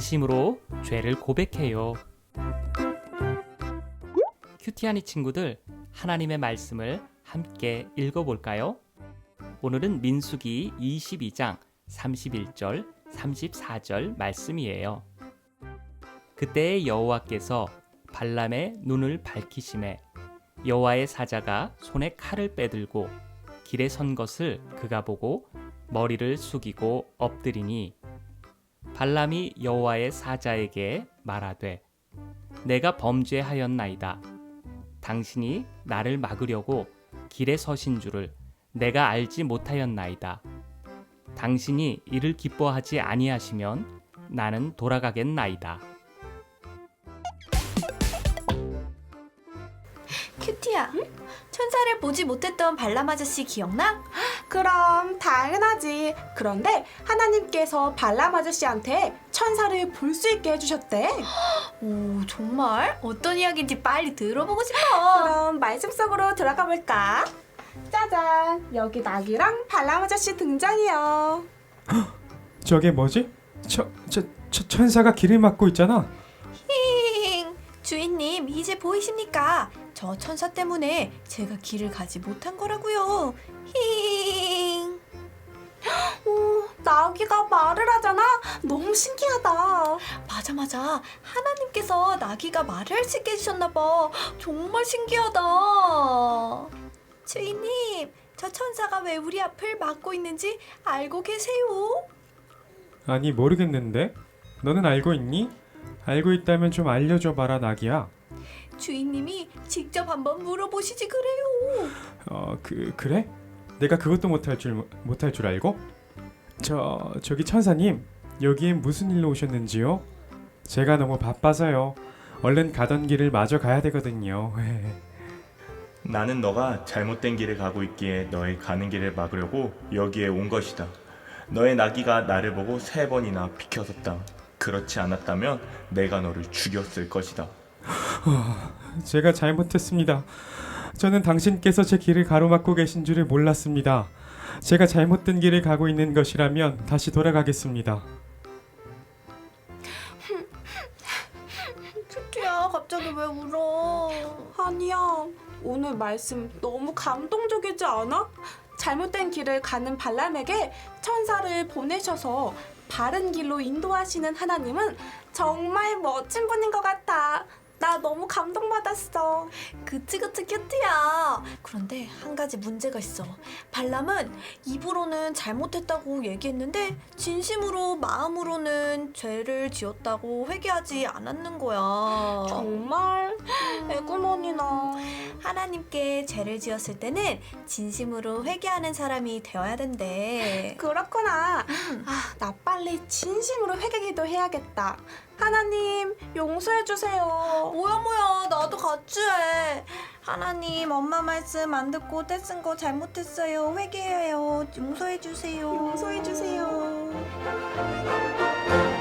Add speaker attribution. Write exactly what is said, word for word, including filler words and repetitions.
Speaker 1: 진심으로 죄를 고백해요. 큐티하니 친구들, 하나님의 말씀을 함께 읽어볼까요? 오늘은 민수기 이십이 장 삼십일 절, 삼십사 절 말씀이에요. 그때 여호와께서 발람의 눈을 밝히시매 여호와의 사자가 손에 칼을 빼들고 길에 선 것을 그가 보고 머리를 숙이고 엎드리니 발람이 여호와의 사자에게 말하되 내가 범죄하였나이다. 당신이 나를 막으려고 길에 서신 줄을 내가 알지 못하였나이다. 당신이 이를 기뻐하지 아니하시면 나는 돌아가겠나이다.
Speaker 2: 큐티야, 응? 천사를 보지 못했던 발람 아저씨 기억나?
Speaker 3: 그럼 당연하지. 그런데 하나님께서 발람 아저씨한테 천사를 볼 수 있게 해주셨대.
Speaker 2: 오, 정말? 어떤 이야기인지 빨리 들어보고 싶어.
Speaker 3: 그럼 말씀 속으로 들어가 볼까? 짜잔, 여기 낙이랑 발람 아저씨 등장이요.
Speaker 4: 저게 뭐지? 저, 저, 저 천사가 길을 막고 있잖아.
Speaker 2: 힝, 주인님 이제 보이십니까? 저 천사 때문에 제가 길을 가지 못한 거라고요. 힝.
Speaker 3: 오, 나귀가 말을 하잖아. 너무 신기하다.
Speaker 2: 맞아 맞아. 하나님께서 나귀가 말을 할 수 있게 해주셨나 봐. 정말 신기하다. 주인님, 저 천사가 왜 우리 앞을 막고 있는지 알고 계세요?
Speaker 4: 아니 모르겠는데. 너는 알고 있니? 알고 있다면 좀 알려줘 봐라 나기야.
Speaker 2: 주인님이 직접 한번 물어보시지 그래요.
Speaker 4: 어, 그 그래? 내가 그것도 못할 줄 못할 줄 알고? 저 저기 천사님, 여기에 무슨 일로 오셨는지요? 제가 너무 바빠서요. 얼른 가던 길을 마저 가야 되거든요.
Speaker 5: 나는 너가 잘못된 길을 가고 있기에 너의 가는 길을 막으려고 여기에 온 것이다. 너의 나귀가 나를 보고 세 번이나 비켜섰다. 그렇지 않았다면 내가 너를 죽였을 것이다.
Speaker 4: 제가 잘못했습니다. 저는 당신께서 제 길을 가로막고 계신 줄을 몰랐습니다. 제가 잘못된 길을 가고 있는 것이라면 다시 돌아가겠습니다.
Speaker 2: 큐티야, 갑자기 왜 울어?
Speaker 3: 아니야, 오늘 말씀 너무 감동적이지 않아? 잘못된 길을 가는 발람에게 천사를 보내셔서 바른 길로 인도하시는 하나님은 정말 멋진 분인 것 같아. 나 너무 감동받았어.
Speaker 2: 그치 그치 큐티야. 그런데 한 가지 문제가 있어. 발람은 입으로는 잘못했다고 얘기했는데 진심으로 마음으로는 죄를 지었다고 회개하지 않았는 거야.
Speaker 3: 정말? 애구머니나.
Speaker 2: 하나님께 죄를 지었을 때는 진심으로 회개하는 사람이 되어야 된대.
Speaker 3: 그렇구나. 아, 나 빨리 진심으로 회개기도 해야겠다. 하나님, 용서해주세요.
Speaker 2: 뭐야 뭐야, 나도 같이 해. 하나님, 엄마 말씀 안 듣고 떼쓴 거 잘못했어요. 회개해요. 용서해 주세요.
Speaker 3: 용서해주세요.